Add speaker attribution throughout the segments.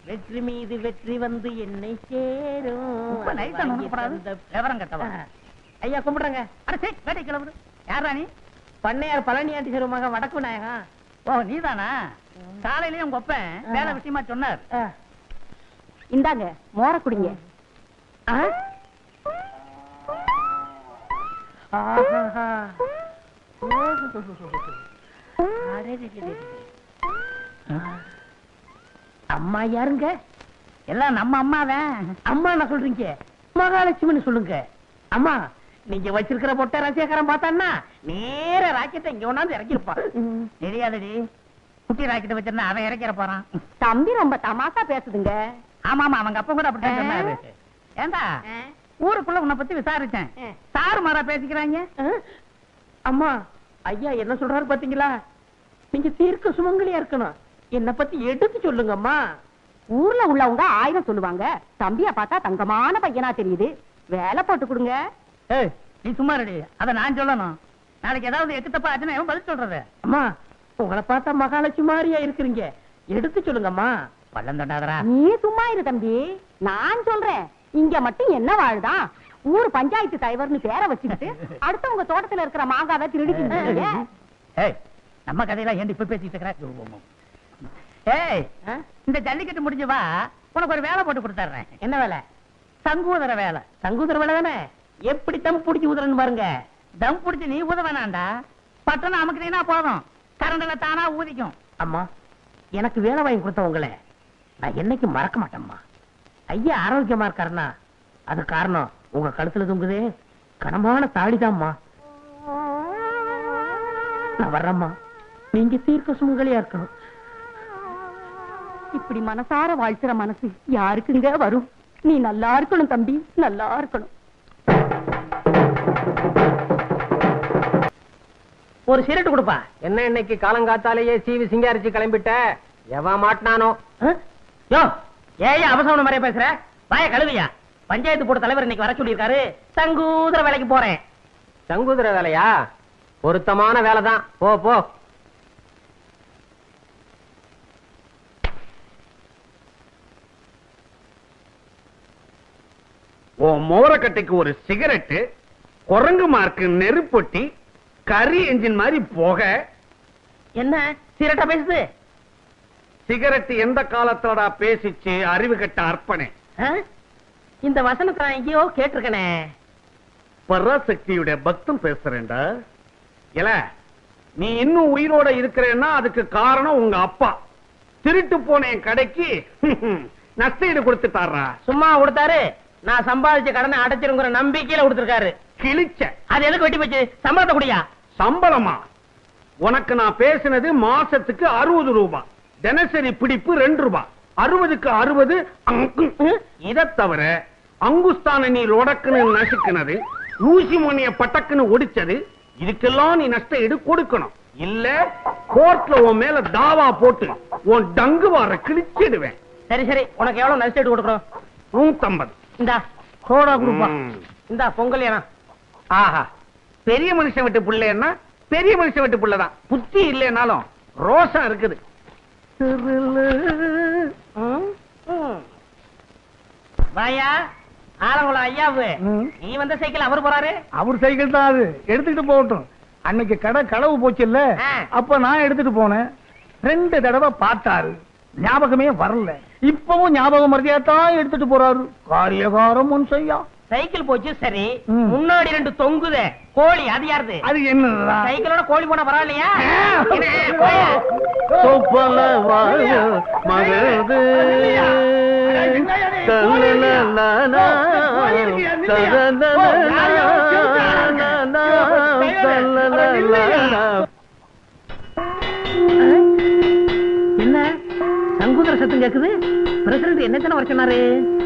Speaker 1: வெற்றி மீது வெற்றி வந்து என்னை சேரும்.
Speaker 2: விவரம் கட்டவா
Speaker 1: ஐயா கும்பிடுறங்க.
Speaker 2: அடே வேட்டை கிளம்புது. யாரா நீ?
Speaker 1: பண்ணையார் பழனி ஆண்டி மகன் வடக்கு நாயகம்.
Speaker 2: ஓ நீதானா? காலையிலயும் உங்க அப்பன் வேலை விஷயமா சொன்னார்.
Speaker 3: இந்தாங்க மோர குடிங்க.
Speaker 1: அம்மா யாருங்க?
Speaker 2: எல்லாம் நம்ம அம்மாதான்.
Speaker 1: அம்மா என்ன சொல்றீங்க? மகாலட்சுமின்னு சொல்லுங்க. அம்மா நீங்க வச்சிருக்கிற பொட்டை ரசிகரம் பார்த்தான்னா நேர ராக்கெட்டை இங்க ஒண்ணாந்து இறக்கிருப்பான்.
Speaker 2: தெரியாதடி, குட்டி ராக்கெட்டை வச்சிருந்தா அவன் இறக்கிற போறான்.
Speaker 3: தம்பி ரொம்ப தமாசா பேசுதுங்க.
Speaker 2: ஆமா ஆமா, அவங்க அப்பா கூட அப்படித்தான் சொன்னாரு. ஏண்டா ஊருக்குள்ள உன்னை பத்தி விசாரிச்சேன், சாரு மாறா பேசிக்கிறாங்க.
Speaker 1: அம்மா ஐயா என்ன சொல்றாரு பாத்தீங்களா? நீங்க தீர்க்க சுமங்கலியா இருக்கணும். என்ன பத்தி எடுத்து சொல்லுங்க அம்மா.
Speaker 3: ஊர்ல உள்ளவங்க 1000 சொல்லுவாங்க. தம்பியா பார்த்தா தங்கமான பையனா தெரியுது. வேலை போட்டு கொடுங்க.
Speaker 2: ஏய் நீ சும்மா ரெடி, அத நான் சொல்லணும். நாளைக்கு ஏதாவது எக்கு தப்பா ஆச்சுன்னா பதில் சொல்றது.
Speaker 1: அம்மா உங்களை பார்த்தா மகாலட்சுமி மாதிரியா இருக்கிறீங்க. எடுத்து சொல்லுங்கம்மா.
Speaker 2: பள்ளம் தொண்டாதரா.
Speaker 3: நீ சும்மா இரு தம்பி, நான் சொல்றேன். இங்க மட்டும் என்ன வாழ்தான்? ஊர் பஞ்சாயத்து தலைவர்னு பேரை வச்சுக்கிட்டு அடுத்தவங்க தோட்டத்துல இருக்கிற மாங்காவை திருடிக்கிட்டு.
Speaker 2: ஏய் நம்ம கதையெல்லாம் ஏன் இப்ப பேசிட்டு இருக்கிற? ஏய் இந்த ஜல்லிக்கட்டு முடிஞ்சு வா, உனக்கு ஒரு வேலை போட்டு கொடுத்துறேன்.
Speaker 1: என்ன வேலை?
Speaker 2: சங்கூதர வேலை.
Speaker 1: சங்கூதர வேலை தானே? எப்படி தம் பிடிச்சி ஊதுறன்னு பாருங்க.
Speaker 2: தம் பிடிச்சி நீ ஊத வேணாண்டா, பட்டணம் அமுக்குனீங்கன்னா போதும், கரண்ட்ல தானா ஊதிக்கும்.
Speaker 1: அம்மா எனக்கு வேலை வாங்கி கொடுத்தவங்கள நான் என்னைக்கு மறக்க மாட்டேம்மா. ஐயா ஆரோக்கியமா இருக்காருன்னா அது காரணம் உங்க கழுத்துல தொங்குதே கனமான தாடிதாம்மா. நான் வர்றேம்மா. நீங்க தீர்க்க சுமங்கலியா இருக்கணும்.
Speaker 3: இப்படி மனசார வாழ்த்துற மனசு யாருக்குங்க வரும்? நீ நல்லா இருக்கணும் தம்பி, நல்லா இருக்கணும்.
Speaker 1: ஒரு சிரட்டு கொடுப்பா.
Speaker 4: என்ன இன்னைக்கு காலங்காத்தாலேயே சீவி சிங்காரிச்சு கிளம்பிட்ட? எவா மாட்டினானோ?
Speaker 1: யோ ஏன் அவசரம் மாதிரியே பேசுற? வாய கழுவியா. பஞ்சாயத்து போர்டு தலைவர் இன்னைக்கு வர சொல்லியிருக்காரு. சங்கூதர வேலைக்கு போறேன்.
Speaker 4: சங்கூதர வேலையா? பொருத்தமான வேலைதான், போ போ.
Speaker 5: ஓ மோரக்கட்டைக்கு ஒரு சிகரெட்டு, குரங்கு மார்க்கு நெருப்பொட்டி, கரி என்ஜின் மாதிரி போக.
Speaker 1: என்ன சிரட்டா பேசுது?
Speaker 5: சிகரெட் எந்த காலத்தோட பேசிச்சு அறிவு கட்ட அர்ப்பணே.
Speaker 1: இந்த வசனத்தை நான் எங்கேயோ கேட்டிருக்கனே.
Speaker 5: பராசக்தியுடைய பக்தம் பேசுறேன்டா. இல்ல நீ இன்னும் உயிரோட இருக்கிறேன்னா அதுக்கு காரணம் உங்க அப்பா. திருட்டு போன என் கடைக்கு நஷ்டஈடு கொடுத்துட்டாரா?
Speaker 1: சும்மா கொடுத்தாரு. நான் சம்பாதிச்ச கடனை அடைச்சிருங்கிற நம்பிக்கையில கொடுத்திருக்காரு.
Speaker 5: கிழிச்ச.
Speaker 1: அது எதுக்கு வெட்டி போச்சு? சம்பளத்தை குடியா.
Speaker 5: சம்பளமா? உனக்கு நான் பேசினது மாசத்துக்கு 60 ரூபாய், தினசரி பிடிப்பு 2 ரூபாய். 60க்கு 60. இதை தவிர அங்குஸ்தான நீ ரொடக்குன்னு நசுக்குனது, ஊசி மணிய பட்டக்குன்னு ஒடிச்சது, இதுக்கெல்லாம் நீ நஷ்ட ஈடு கொடுக்கணும். இல்ல கோர்ட்ல உன் மேல தாவா போட்டு உன் டங்கு வார கிழிச்சிடுவேன்.
Speaker 1: சரி சரி, உனக்கு எவ்வளவு நஷ்ட ஈடு கொடுக்கணும்?
Speaker 5: 150.
Speaker 1: இந்தா சோடா கொடுப்பா. இந்தா பொங்கல் ஏனா.
Speaker 5: ஆஹா, பெரிய மனுஷன் விட்டு பிள்ளைன்னா பெரிய மனுஷன் விட்டு பிள்ளைதான். புத்தி இல்லைனாலும் ரோஷம் இருக்குது.
Speaker 1: வாயா ஆலங்குளம் ஐயாவு, நீ வந்த சைக்கிள் அவர் போறாரு.
Speaker 6: அவர் சைக்கிள் தான் அது, எடுத்துக்கிட்டு போகட்டும். அன்னைக்கு கடை களவு போச்சு இல்ல, அப்ப நான் எடுத்துட்டு போனேன். 2 தடவை பார்த்தாரு, ஞாபகமே வரல. இப்பவும் ஞாபகம் மறதியாத்தான் எடுத்துட்டு போறாரு. காரியகாரம் ஒன் செய்யா.
Speaker 1: சைக்கிள் போச்சு சரி, முன்னாடி 2 தொங்குதே கோழி, அது யாருது?
Speaker 6: அது என்ன?
Speaker 1: சைக்கிளோட கோழி போனா பரவாயில்லையா? என்ன சங்கூதர சத்தம் கேக்குது? பிரசிடண்ட் என்ன வர சொன்னாரு?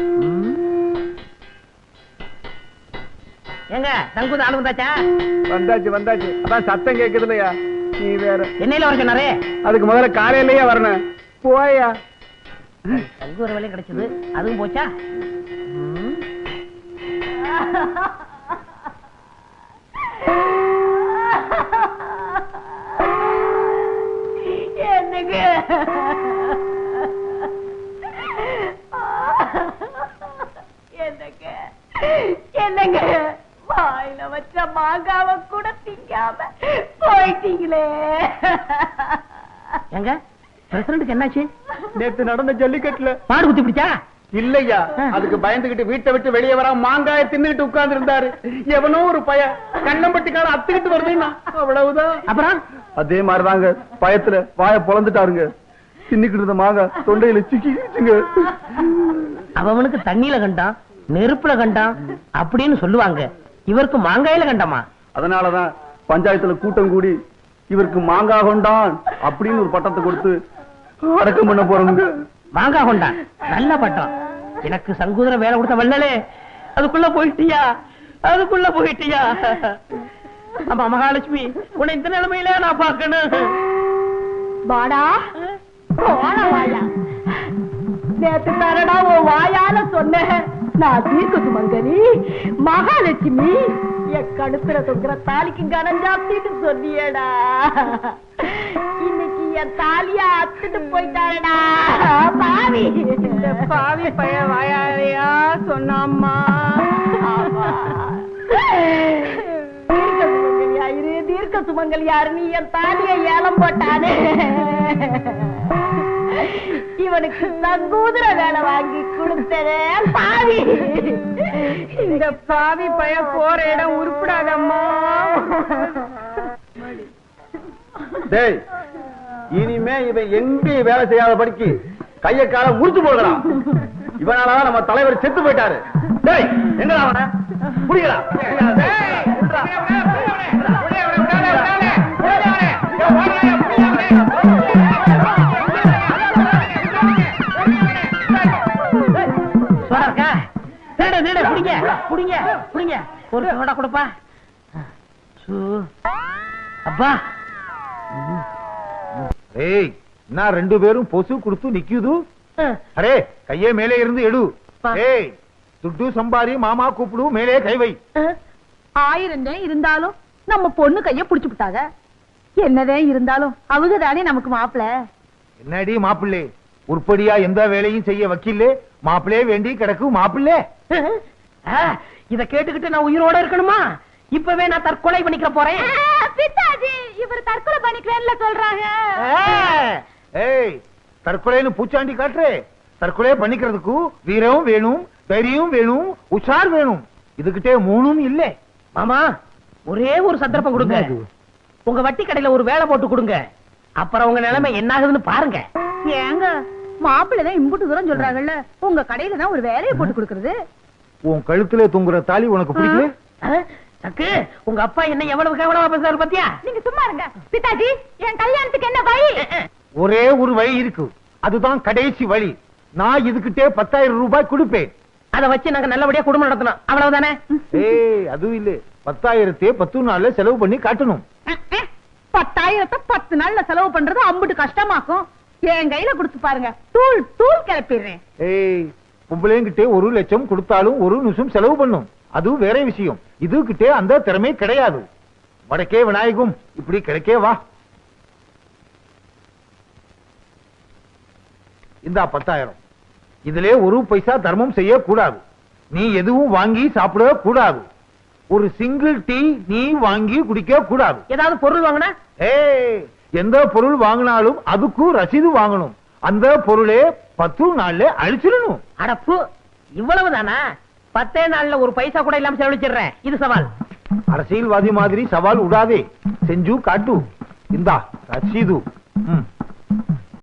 Speaker 1: எங்க சங்கூத ஆளு வந்தாச்சா?
Speaker 6: வந்தாச்சு வந்தாச்சு. அதான் சத்தம் கேக்குது இல்லையா? நீ வேற
Speaker 1: என்னையில வர சொன்னாரு?
Speaker 6: அதுக்கு முதல்ல காலையிலேயே வரணும். போயா.
Speaker 1: சங்கூர வேலையும் கிடைச்சது, அதுவும் போச்சா?
Speaker 3: என்னங்க வாயில வச்ச மாங்காவை கூட திங்காம போயிட்டீங்களே.
Speaker 1: எங்க பிரசிடண்ட்டுக்கு என்னாச்சு?
Speaker 6: நேத்து நடந்த ஜல்லிக்கட்டுல
Speaker 1: மாடு குத்தி பிடிச்சா?
Speaker 6: இல்லையா, அதுக்கு பயந்துகிட்டு வீட்டை விட்டு வெளியே வர மாங்காய தின்னுகிட்டு உட்கார்ந்து இருந்தாரு. எவனோ ஒரு பய கண்ணம்பட்டிக்கார அத்துக்கிட்டு வருதுன்னா அவ்வளவுதான்.
Speaker 1: அப்புறம்
Speaker 6: அதே மாதிரிதாங்க பயத்துல வாய பொளந்துட்டாருங்க. தின்னுக்கிட்டு இருந்த மாங்காய் தொண்டையில சிக்கிச்சுங்க.
Speaker 1: அவனுக்கு தண்ணியில கண்டான், நெருப்புல கண்டான் அப்படின்னு சொல்லுவாங்க. இவருக்கு மாங்காயில கண்டமா?
Speaker 6: அதனாலதான் பஞ்சாயத்துல கூட்டம் கூடி இவருக்கு மாங்காய் கொண்டான் அப்படின்னு ஒரு பட்டத்தை கொடுத்து அடக்கம் பண்ண போறோங்க.
Speaker 1: மாங்காய் கொண்டான், நல்ல பட்டம். எனக்கு சங்கூதர வேலை கொடுத்த வல்லலே, அதுக்குள்ள போயிட்டியா? அதுக்குள்ள போயிட்டியா? ஆமா மகாலட்சுமி, உன்னை இந்த நிலைமையில நான் பார்க்கணும்.
Speaker 3: வாடா வாயா, நேத்து தரடா உன் வாயால சொன்ன நான் தீர்க்க சுமங்கலி மகாலட்சுமி, என் கழுத்துல தொங்குற தாலிக்கு கனம் ஜாஸ்தின்னு சொன்னியடா. இன்னைக்கு என் தாலிய அத்துட்டு போயிட்டாரடா பாவி. இந்த பாவி பைய வாயாலையா சொன்னாம்மா. தீர்க்க சுமங்கல் யாருன்னு என் தாலிய ஏலம் போட்டானே, இவனுக்கு சங்கூதர வேலை வாங்கி கொடுத்ததே பாவி. இந்த பாவி பைய போற இடம் உருப்படாதம்மா.
Speaker 6: டேய், இனிமே இவன் எங்கேயும் வேலை செய்யாத படிக்கு கைய கால முறிச்சு போடுறான். இவனாலதான் நம்ம தலைவர் செத்து போயிட்டாரு. டேய், எங்கடா அவன புடிங்கடா.
Speaker 1: ஒரு சோடா கொடுப்பா. அப்பா
Speaker 7: ஏய், நான் ரெண்டு பேரும் பொசு கொடுத்து நிக்குது. அரே கையே மேலே இருந்து எடு. ஏய், துட்டு சம்பாரி மாமா கூப்பிடு, மேலே கை வை.
Speaker 3: 1000 இருந்தாலும் நம்ம பொண்ணு கைய புடிச்சு விட்டாங்க. என்னதே இருந்தாலும் அவங்க தானே நமக்கு மாப்பிள.
Speaker 7: என்னடி மாப்பிள்ளே, உருப்படியா எந்த வேலையும் செய்ய வக்கீல்லே, மாப்பிள்ளே வேண்டி கிடக்கு மாப்பிள்ளே.
Speaker 1: இத கேட்டுக்கிட்டு நான் உயிரோட இருக்கணுமா? இப்பவே நான் தற்கொலை பண்ணிக்க போறேன்.
Speaker 3: பித்தாஜி, இவர் தற்கொலை பண்ணிக்கிறேன்னு சொல்றாங்க.
Speaker 7: ஏய், தற்கொலைன்னு பூச்சாண்டி காட்டுறே. தற்கொலை பண்ணிக்கிறதுக்கு வீரம் வேணும், தைரியம் வேணும், உஷார் வேணும். இதுகிட்டே மூணும் இல்ல.
Speaker 1: மாமா, ஒரே ஒரு சந்தர்ப்பம் கொடுங்க. உங்க வட்டி கடையில ஒரு வேலை போட்டு கொடுங்க. அப்புறம் உங்க நிலைமை என்ன ஆகுதுன்னு பாருங்க.
Speaker 3: ஏங்க, மாப்பிள்ளதான் இம்புட்டு தூரம் சொல்றாங்கல்ல, உங்க கடையில தான் ஒரு வேலையை போட்டு கொடுக்கறது.
Speaker 7: உன் கழுத்துல தொங்குற தாலி உனக்கு பிடிக்கல?
Speaker 1: சக்கு, உங்க அப்பா என்ன எவ்வளவு கேவலமா பேசுறாரு பாத்தியா?
Speaker 3: நீங்க சும்மா இருங்க. பித்தாஜி, என் கல்யாணத்துக்கு என்ன வழி?
Speaker 7: ஒரே ஒரு வழி இருக்கு, அதுதான் கடைசி வழி. நான் இதுகிட்டே 10,000 ரூபாய் கொடுப்பேன்.
Speaker 1: அதை வச்சு நாங்க நல்லபடியா குடும்பம் நடத்தணும், அவ்வளவுதானே?
Speaker 7: ஏய், அதுவும் இல்ல, 10,000 10 நாள்ல செலவு பண்ணி காட்டணும்.
Speaker 3: 10,000 10 நாள்ல செலவு பண்றது அம்புட்டு கஷ்டமாக்கும். என் கையில கொடுத்து பாருங்க, தூள் தூள் கிளப்பிடுறேன்.
Speaker 7: ஏய், பொம்பளைங்கிட்டே 1 லட்சம் கொடுத்தாலும் 1 நிமிஷம் செலவு பண்ணும், அது வேற விஷயம். இதுகிட்டே அந்த திறமை கிடையாது. வடக்கே விநாயகம், இப்படி கிடைக்கே வா. இந்த 10,000 இதிலே 1 பைசா தர்மம் செய்ய கூடாது. நீ எதுவும் வாங்கி சாப்பிட கூடாது. ஒரு சிங்கிள் டீ நீ வாங்கி குடிக்க கூடாது.
Speaker 1: ஏதாவது பொருள் வாங்கினா?
Speaker 7: ஏய், எந்த பொருள் வாங்கினாலும் அதுக்கும் ரசீது வாங்கணும். அந்த பொருளே 10 நாள்ல அழிச்சிடணும்.
Speaker 1: அடப்பு, இவ்வளவுதானா? 10 நாள்ல 1 பைசா கூட இல்லாம செலவழிச்சிடுறேன். இது சவால்.
Speaker 7: அரசியல்வாதி மாதிரி சவால் விடாதே, செஞ்சு காட்டு. இந்தா ரசீது.